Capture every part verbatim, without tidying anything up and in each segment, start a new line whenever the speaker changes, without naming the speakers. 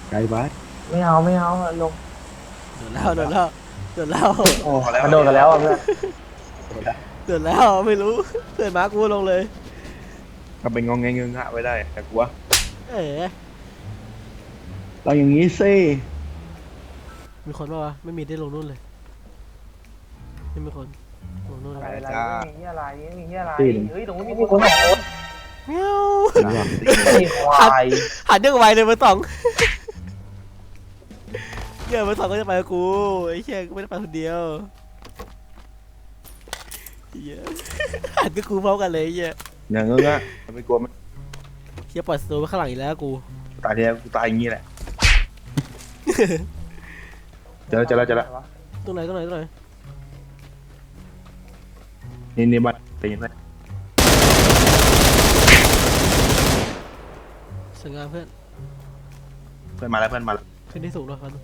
ไกลบ้าน
ไม่เอาไม่เอาลง
โดนแล้วโดนแล้วโดนแล้ว
โอ้พอแล้ว
มันโดนกันแล้วอ่ะเพื่อน
โดนแล้วไม่รู้เพื่อนมากูลงเลย
ก็เป็นงงเงงเงงะไว้ได้แต่กลัว
เอ๋
เราอย่างนี้สิ
มีคนป่าวะไม่มีได้ลงนู่นเลยไม่มีคนลงนู่น
อะ
เล
ไร
ย
อะไรไม่มีอะไรไม่มีอะไรเฮ้ยตรงนี้มีคนสองคน
เมียว
ไอ้ควาย
หันยังไวเลยเบอร์สองเดี๋ยวเบอร์สองก็จะไปกับกูไอ้เชี่ยกูไม่ได้ไปคนเดียวเหี้ยหันกับกูพร้อมกันเลยไอ้เหี้ย
อย่างเงงะไม่กลัวมัน
เชี่ยปล่อยสโตว์ไว้ข้างหลังอีกแล้วกู
ตายทีแล้วกูตายอย่างนี้แหละเจอแล้วเจอแล้วเจอแล้ว
ตรงไหนตรงไหนตรงไหน
นี่นี่บัตรเป็นยังไง
สวยงามเพื่อน
เพื่อนมาแล้วเพื่อนมาแล้ว
ขึ้นที่สูงแล้วครับ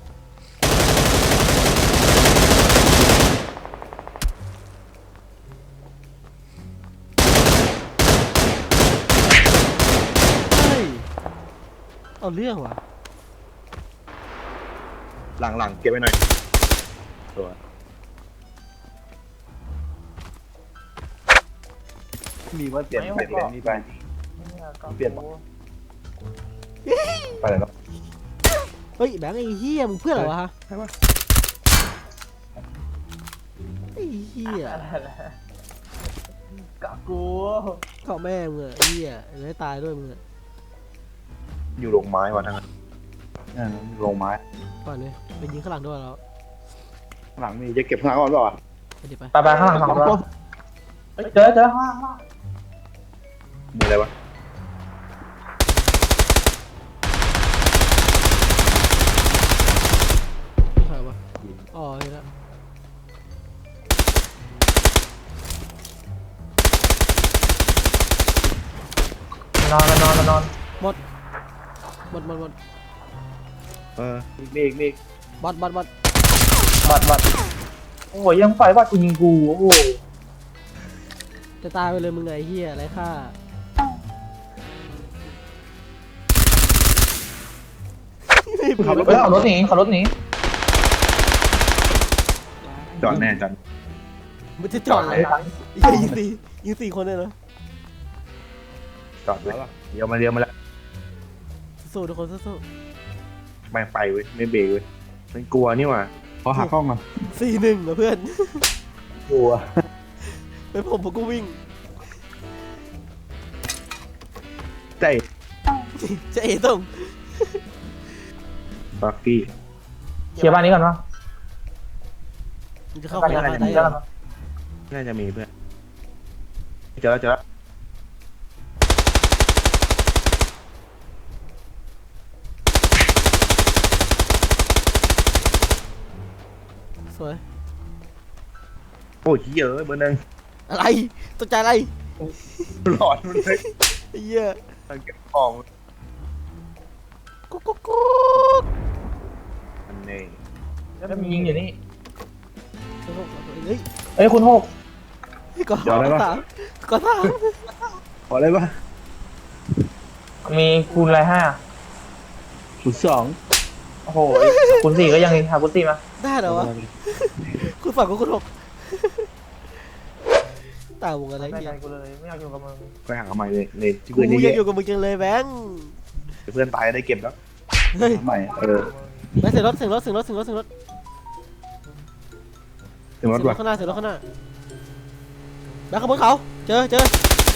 เฮ้ยเอาเรื่องว่ะ
หลังหลังเก็บไว้หน่อยตัวมีว่าเปลี่ยนเปลี่ยนเลนนี่ไปเปลี่ยนไปไหนแล้ว
เฮ้ยแบงค์ไอ้เหี้ยมึงเพื่อนเหรอวะฮะ
ใช่ปะ
ไอ้เหี้ย
กับกู
เกาะแม่มึงอะไอ้เหี้ยจะให้ตายด้วยมึงอะ
อยู่โรงไม้วะทั้งนั้นโรงไม้
ก่อนเลยไปยิงข้างหลังด้วยแล้ว
หลังมีจะเก็บข้างหลังก่อนเปล่า
ไปดิไป
ไปไปข้างหลังสองตัวเจอเจอข้างล่าง
มีอะไรวะ
ใครวะอ๋อเห็นแล้ว
นอนนอนนอน
หมดหมดหมด
เออมีอีกมีอีก
บอดบอดบอด
บัดบัดโอ้ยยังไฟว่ากูยิงกูโอ้โห
จะตายไปเลยมึงไงไอ้เหี้ยไรค่า
ขับรถ
เฮ้ยขับรถหนีขับรถหนี
จอดแน่จอด
มันจะจอดเลยไอ้เหี้ยยิงสี่ยิงสี่คนเลยเหรอ
จอดเลยเดี๋ยวมาเดี๋ยวมาแล้ว
สู้ทุกคนสู้
ไม่ไปเว้ยไม่เบรกเว้ยมันกลัวนี่หว่าพอหักกล้องอ่ะ
ๆสี่หนึ่งเหรอเพื่อน
กลัว
เป็นผมผมก็วิ่ง
ใจ
จะเอ๋ต้อง
บักกี้
เคลียร์บ้านนี้ก่อนวะ
มึงจะเข้า
บ้าน
ไป
นี้
ใน
ก่อน
บ้าน
เคลี
ได้
ยร์
เหร
ก่อ
อน
น่าจะมีเพื่อนเจอแล้วเจอแล้ว
สวย
โอ้ยเยอะเบอร์หนึ่ง
อะไรตกใจอะไร
หลอดมันเลย
ไอ้เหี้ย
ตั้งเก็บของ
กุ๊กกุ๊กกุ๊ก
อันนี้
แล้วมียิงอยู่นี่
เฮ้ย
เอ้ยคุณหก
ก่อนสามก่อนสาม
ขออะไรปะ
มีคูณอะไรห้า
ศูนย์สอง
โอ้โหคูณสี่ก็ยังหาคูณสี่มา
ได้เหรอวะคุณฝั่งกับคุณหกต่างวงอะไร
ไม่
เงี้
ใจ
ย
กูเลยไม่เอาอยู่กับมึง
ไปหาใหม่เลยเลย
กู
เพื่อน
อยาก
เย
อยู่กับมึงจังเลยแบงค์
อะเพื่อนตายได้เก็บแล้ว
เฮ้ย
ใหม่เออ
แบงค์เสียงรถเสียงรถเสียงรถเสียงรถเสียงรถ
ถึงรถ
เสียงร
วะ
ถข้างหน้าเสียงรถข้างหน้าแบงค์ขบวนเขาเจอเจอ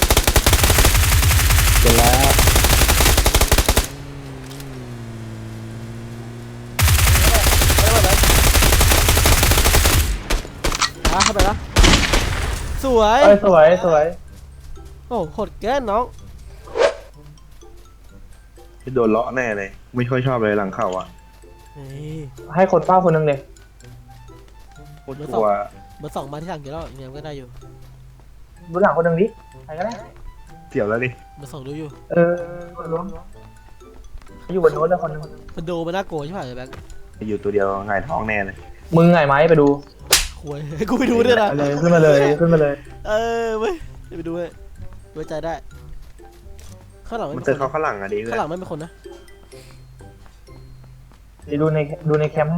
เจอแล้ว
อ่ะเข้าไปละสวย
เอ้ยสวยสวย
โอ้โหดแก่น้อง
ที่โดนเลาะแน่เลย ไม่ค่อยชอบเลยหลังเข่าอ่ะ
เฮ้ย
ให้คนเฝ้าคนหนึ่งเลย
โคตรกลัว
เบอร์สองมาที่หลังกี่รอบยังก็ได้อยู่
ดูหลังคนหนึ่งดิใครก็ได้
เสียวแล้วดิ
เบอร์สองดูอยู่
เออล้วงอยู่บนโน้ตเลยคนหนึง
มันดูมันน่าโกรธใช่ไหมแบงค์
อยู่ตัวเดียวหงายท้องแน่เลย
มึงไงไหมไปดู
หวยกูไปดูด้วยนะ
ไปเลยขึ้นมาเลยขึ้นมาเลย
เออเว้ยไปดูเว้ยไว้ใจได้ข้างหลังไม่
มัน
มี
เจอ
ค
เขา
น
ข้างหลังอ่ะดิเพื่อ
ข้างหลัง
น
ไม่มีคนนะ
เดี๋ยวดูในดูในแคมป์ให้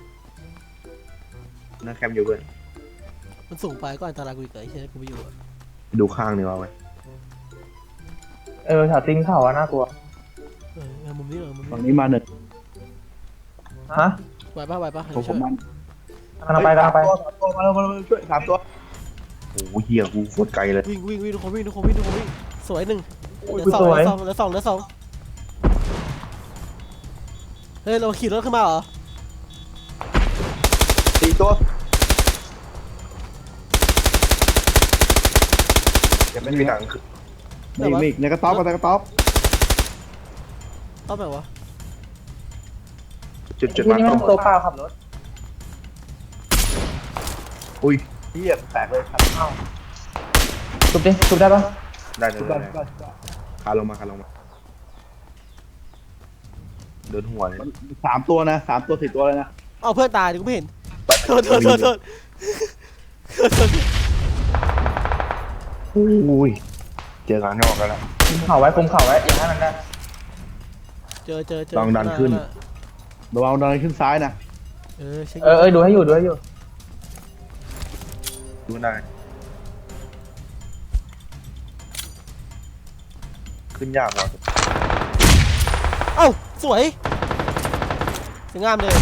นั่งแคมป์อยู่เว้ย
มันสูงไปก็อันตรายกูอีกเลยไอ้เหี้ยกูไม่อยู่อะ
ดูข้างนี่ว่าเว้ย
เออแถวตีนเขาอะน่ากลัว
เออเอามุมนี้เหรอมุม
ฝั่ง
นี้
นี้มาหนึ่ง
ฮะ
ไหวปะไหวปะ
ผมผมมัน
กำลังไปกำลังไป
สามตัวมาแล้วมาแล้วช่วยสามตัว
โอ้โหเฮียกูโคตรไกลเลย
วิ่งวิ่งวิ่งทุกคนวิ่งทุกคนวิ่งทุกคนวิ่งสวยหนึ่งเห
อุ้ย
ลือสอง
ส
เห
วย
ลือสองเหลือสองเหลือสองเฮ้ยเราขี่รถขึ้นมาเหรอ
สี่ตัวเก็บ
ไม่
ไม่
มี
มี
ห
ห
นั
นั
ง
ง
คือ
มีอีกมีอีกในกระต๊อบกับในกระต๊อบ
ต้องแบบวะ
จุดจุด
ที่
มา
นี่
ต้
มั
อน ง
ตัวเปล่าขับรถ
อุ้ย
เหี้ยแตกเลยครับ
ทุบดิทุบได้ปะ
ได้ได้
ทุบ
ได้
ได้
ได้
ทุบได้
คาลงมาคาลงมาเดินหัวเลย
มันสามตัวนะสามตัวสี่ตัวเลยนะ
เอาเพื่อนตายดิกูไม่เห็นโทษโทษโทษโทษโทษ
อุ้ยเจอกันนอกกันแล้ว
คุมเข่าไว้คุมเข่าไว้อย่างนั้นนะ
เจอเจอเจอ
ลองดันขึ้น
ระวังดันขึ้นซ้ายนะ
เออเช็ค
เออเออดูให้อยู่ดูให้อยู่
ดูได้ขึ้นยากว่ะ
เอ้าสวยสวยงามเลย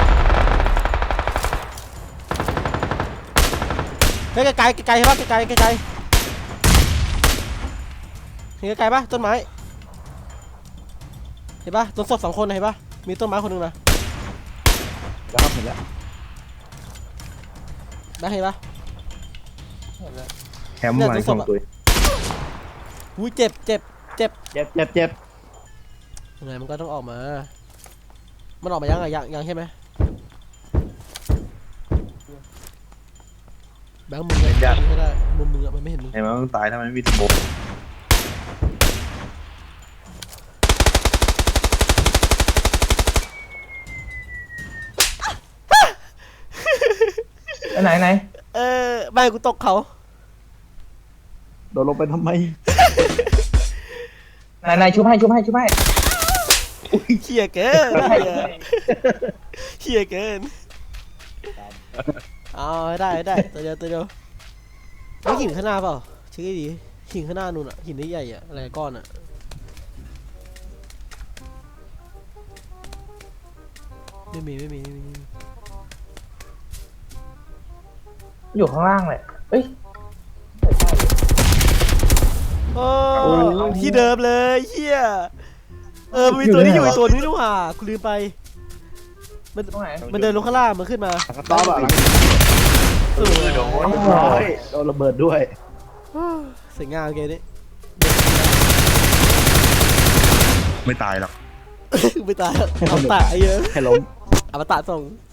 เฮ้ยไกลไกลไกลใช่ปะไกลไกลไกลเห็นไกลปะต้นไม้เห็นปะต้นศพสองคนนะเห็นปะมีต้นไม้คนหนึงนะ
แล้วครับเห็นแล้ว
แบงค์เห็นปะ
แคมป์มาสองตัว
อุ้ยเจ็บเจ็บเจ็บ
เจ็บเจ็บเจ็บ
ยังไงมันก็ต้องออกมา มันออกมายังไงยังยังใช่ไหมแบงค์มึงอะยิงไม่ได้มุมมึงอะมันไม่เห็นมึง
เห็นไหมต้องตายถ้ามันไม่มีสโมก
ไหนไหน
เออไม่กูตกเขา
โดนลงไปทำไม
ไหนไหนชุบให้ชุบให้ชุบให้
เขี่ยเกินเขี่ยเกินเอาให้ได้ให้ได้ตัวเดียวตัวเดียวไม่หินข้างหน้าเปล่าเช็คให้ดีหินข้างหน้านู่นอะหินใหญ่ๆอะอะไรก้อนอะไม่มีไม่มีไม่มีไม่มี
อยู่ข้างล่างเลยเอ้ย
โอ้ที่เดิมเลยเฮียเออมันมีตัวนี้อยู่อีกตัวนึงนี่หว่ากูลืมไปมัน
ตรงไหน
มันเดินลงข้างล่างมันขึ้นมา
กระต๊อบอะหลัง
เออ
โดน
ร้อยโดนระเบิดด้วย
สวยงามเกมนี้
ไม่ตายหรอก
ไม่ตายเอาตายเยอะ
ให้ล้ม
เอามาตาส่ง